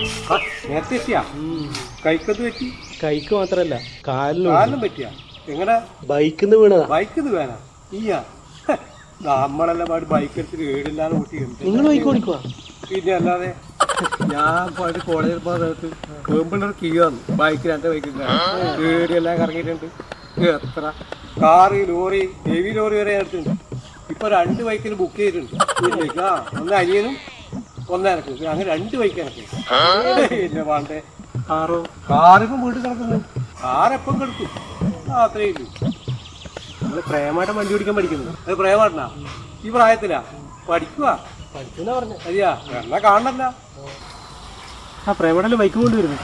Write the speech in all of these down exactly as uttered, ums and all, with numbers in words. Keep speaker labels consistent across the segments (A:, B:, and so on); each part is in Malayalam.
A: നേരത്തെ എത്തിയാ കൈക്കത് പറ്റി?
B: കൈക്ക് മാത്രല്ല കാലിനും
A: കാലിനും പറ്റിയാ? എങ്ങനെ?
B: ബൈക്കിന്ന് വീണതാ.
A: ബൈക്കിന്ന് വേണ ഈയാ? നമ്മളെല്ലാം പാട് ബൈക്ക് എടുത്തിട്ട് വീടില്ലാതെ കൂട്ടിയുണ്ട്.
B: നിങ്ങൾ ബൈക്ക് ഓടിക്കുവാ?
A: പിന്നെ അല്ലാതെ ഞാൻ പോയിട്ട് കോളേജിൽ പോകുന്നത് വേമ്പിള്ളൊരു കീഴാന്ന് ബൈക്കിൽ എൻ്റെ ബൈക്കിൽ വീടിയെല്ലാം കറങ്ങിയിട്ടുണ്ട്. എത്ര കാറ് ലോറി ഹെവി ലോറി വരെ എടുത്തിട്ടുണ്ട്. ഇപ്പൊ രണ്ട് ബൈക്കിൽ ബുക്ക് ചെയ്തിട്ടുണ്ട്. ആ ഒന്ന് അനിയനും ഒന്ന് എനക്ക്, അങ്ങനെ രണ്ട് ബൈക്ക് എനക്ക്. പിന്നെ വേണ്ടേ കാറോ? കാറിപ്പം വീട്ടിൽ കിടക്കുന്നു. കാറെപ്പം കിടക്കും. ആ അത്രേ ഇല്ലു. നമ്മള് പ്രേമായിട്ട് വണ്ടി ഓടിക്കാൻ പഠിക്കുന്നു. അത് പ്രേമാട്ടനാ ഈ പ്രായത്തിലാ പഠിക്കുക?
B: പഠിക്കുന്ന പറഞ്ഞു.
A: അതെയാ? എന്നാ കാണണല്ല.
B: ആ പ്രേമടല്ലേ ബൈക്ക് കൊണ്ടുവരുന്നു.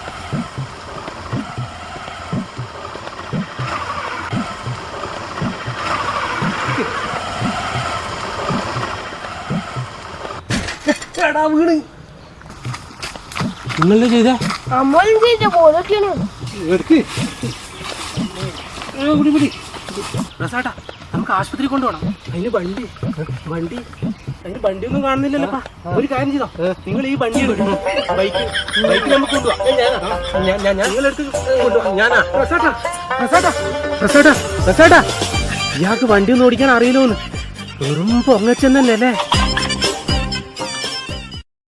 A: വീണ്
B: നിങ്ങളല്ലേ ചെയ്തേ?
C: നമ്മളും ചെയ്ത പോലൊക്കെയാണ്.
A: എടുക്ക് പിടി പിടി.
B: റസാട്ടാ നമുക്ക് ആശുപത്രി കൊണ്ടുപോകണം. അതിന് വണ്ടി വണ്ടി അതിന് വണ്ടി ഒന്നും കാണുന്നില്ലല്ലോപ്പാ. ഒരു കാര്യം ചെയ്തോ, നിങ്ങൾ ഈ വണ്ടി എടുക്കും. ബൈക്ക് ബൈക്ക് നമുക്ക് കൊണ്ടുപോവാം. നിങ്ങളെടുത്ത് കൊണ്ടുപോവാം. ഞാനാ റസാട്ടാ റസാട്ടാ റസാട്ടാ റസാട്ടാ ഇയാൾക്ക് വണ്ടി ഒന്നും ഓടിക്കാൻ അറിയില്ലോന്ന്. വെറും പൊങ്ങച്ചെന്നല്ലേ അല്ലേ?